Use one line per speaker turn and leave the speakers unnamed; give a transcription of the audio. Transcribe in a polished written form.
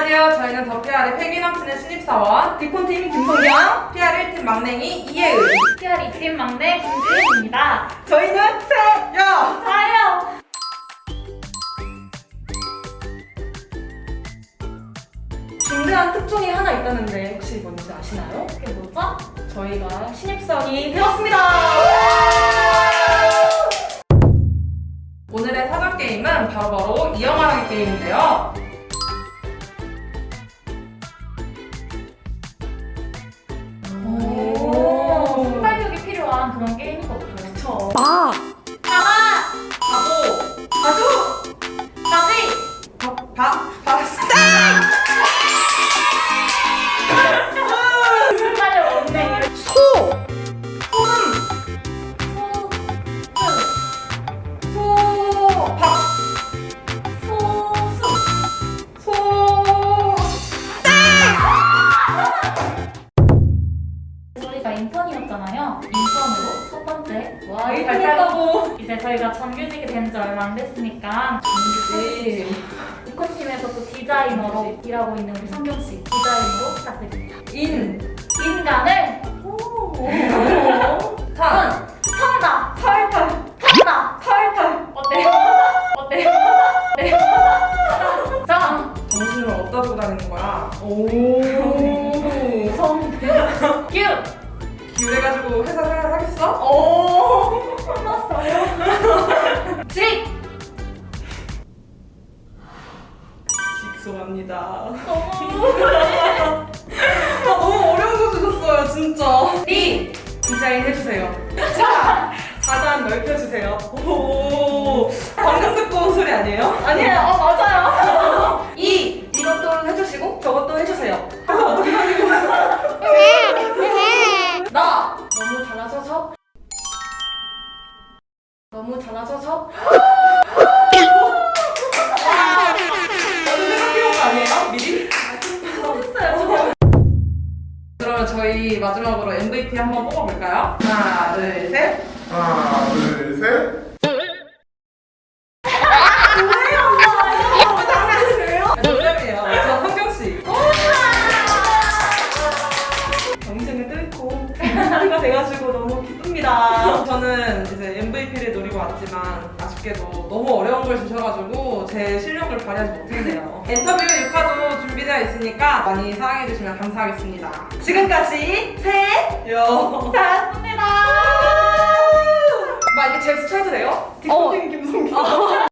안녕하세요. 저희는 더 PR의 패기 넘치는 신입사원 디콘팀 김성경, PR 1팀 막냉이 이혜은,
PR 2팀 막내 김지은입니다.
저희는 세요!
자요!
중대한 특종이 하나 있다는데 혹시 뭔지 아시나요?
그게 뭐죠?
저희가 신입사원이 되었습니다! 오늘의 사전 게임은 바로 이영화라기 게임인데요.
순발력이 필요한 그런 게임이거든요.
그쵸.
가마!
바보, 바주,
바지! 순발력 없네.
소,
저희가 인턴이었잖아요. 인턴으로 첫 번째
와, 이랬다고.
이제 저희가 정규직이 된 지 얼마 안 됐으니까
정규직.
디콘팀에서 또 디자이너로 일하고 있는 우리 성경씨 디자이너로 부탁드립니다. 인간을
탄,
턴다!
탈탈,
턴다!
탈탈.
어때요? 어때요? 네. 정!
정신을 어디다 두고 다니는 거야? 규! 규래가지고 회사 생활 하겠어?
끝났어요. 직!
직소합니다. 너무 어려운 거 주셨어요, 진짜.
리!
디자인 해주세요. 4단 넓혀주세요. 오, 방금 듣고 온 소리 아니에요?
아니에요. 맞아요.
이것도 해주시고 저것도 해주세요. 그래서 어떻게 하는 거야? 나!
너무 잘하셔서
저도 생각해온 거 아니에요? 미리?
했어요.
그러면 저희 마지막으로 MVP 한번 뽑아볼까요? 하나, 둘, 셋.
하나, 둘, 셋.
농담이에요. 저 성경씨. 정신을 뚫고 PR가 돼가지고 너무 기쁩니다. 저는 이제 MVP를 노리고 왔지만 아쉽게도 너무 어려운 걸 주셔가지고 제 실력을 발휘하지 못했네요. 인터뷰 6화도 준비되어 있으니까 많이 사랑해주시면 감사하겠습니다. 지금까지 세요.
잘했습니다.
막 이게 제 수쳐도 돼요? 디코팅 김성경.